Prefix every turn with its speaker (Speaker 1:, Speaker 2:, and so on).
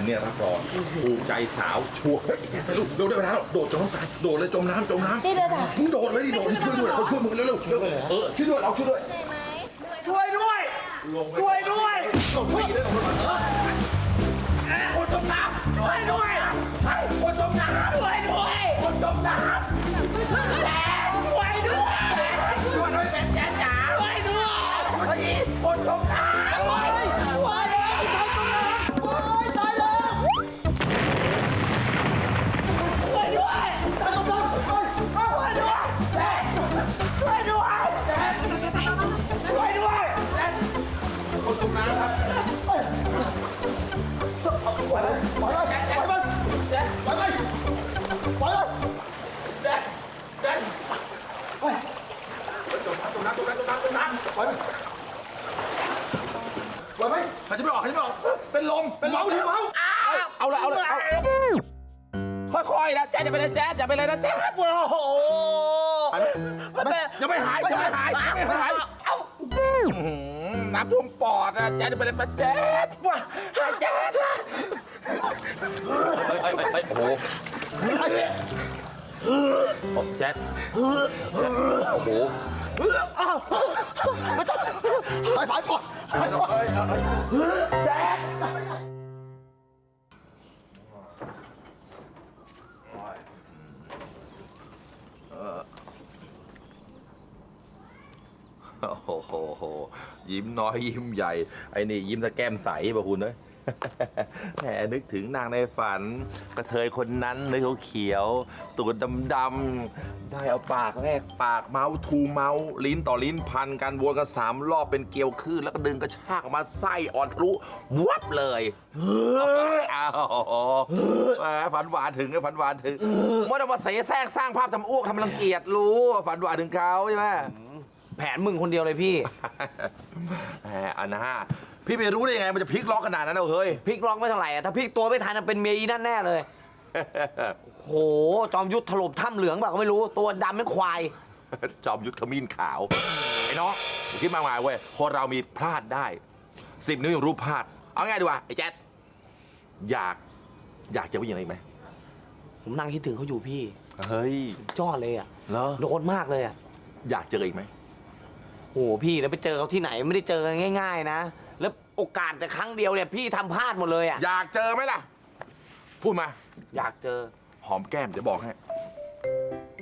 Speaker 1: เนี่ยรับรองภูมิใจสาวชัวร์ลูกเร็วได้เวลาแล้วโดดจมน้ำตายโดดเลยจมน้ำ
Speaker 2: นี่เลยค่ะ
Speaker 1: มึงโดดเลยดิโดดช่วยด้วยเขาช่วยมึงเร็วๆช่วยด้วยเราช่วยด้วย
Speaker 3: ช่วยด้วยช่วยด้วย
Speaker 1: คนจมน้ำ
Speaker 3: ช่วยด้วย
Speaker 1: คนจมน้ำ
Speaker 3: ช่วยด้วย
Speaker 1: คนจมน้ำ
Speaker 3: แจ๊ดช่วยด้วย
Speaker 1: ช่วยด้วยเป็นแจ๊จ๋า
Speaker 3: ช่วยด้วย
Speaker 1: คนจมน้ำ
Speaker 3: ช่วยด้วยช่วยด้วยตายแล้วช่วยด้วยช่วยด้วยแจ๊ดช่วยด้วยแจ๊ดช่วยด้วย
Speaker 1: คนจมน้ำครับ หายใจไม่ออกเป็นลมเมาเอาละค่อยๆนะแจ๊ดอย่าไปเลยแจ๊ดอย่าไปเลยนะแจ๊ด
Speaker 3: โอ้โห
Speaker 1: ยังไม่หายน้ำท่วมปอดนะแจ๊ดอย่าไปเลยนะแจ๊ดว้าแจ๊ดโอ้โหแจ๊ดโอ้โหหายปอดแจ๊ดโอ้โหยิ้มน้อยยิ้มใหญ่ไอ้นี่ยิ้มตะแก้มใสป่ะคุณเอ้ย แหมนึกถึงนางในฝันกระเทยคนนั้นเนื้อเขียวตูดดำๆได้เอาปากแรกปากเมาส์ทูเมาส์ลิ้นต่อลิ้นพันกันวนกัน3 รอบเป็นเกลียวคลื่นแล้วก็ดึงกระชากออกมาไส้อ่อนทะลุวับเลยอ้าวแหมฝันหวานถึงฝันหวานถึงไม่ต้องมาเสแสร้งสร้างภาพทำอ้วกทำรังเกียจรู้ฝันหวานถึงเขาใช่ไหม
Speaker 3: แผนมึงคนเดียวเลยพี่
Speaker 1: แหมอันนะพี่ไม่รู้ได้ยังไงมันจะพลิกล็อกขนาดนั้นเอาเฮ้ย
Speaker 3: พลิกล็อกไม่เท่าไหร่อะถ้าพลิกตัวไม่ทันเป็นเมียอีนั่นแน่เลย โหจอมยุทธถล่มถ้ำเหลืองเปล่าก็ไม่รู้ตัวดำเป็นควาย
Speaker 1: จอมยุทธขมิ้นขาวไอ้น้องคิดมากมายเว้ยคนเรามีพลาดได้10 นิ้วยังรู้พลาดเอาง่ายดีกว่าไอ้แจ๊ดอยากเจอผู้หญิงอะไรอีกไหม
Speaker 3: ผมนั่งคิดถึงเขาอยู่พี่
Speaker 1: เฮ้ย
Speaker 3: จอดเลยอะ
Speaker 1: เหรอ
Speaker 3: โดนมากเลยอะ
Speaker 1: อยากเจออีกไหม
Speaker 3: โอ้พี่แล้วไปเจอเขาที่ไหนไม่ได้เจอกันง่าย ๆนะแล้วโอกาสแต่ครั้งเดียวเนี่ยพี่ทำพลาดหมดเลยอะ
Speaker 1: อยากเจอไหมล่ะพูดมา
Speaker 3: อยากเจอ
Speaker 1: หอมแก้มเดี๋ยวบอกให้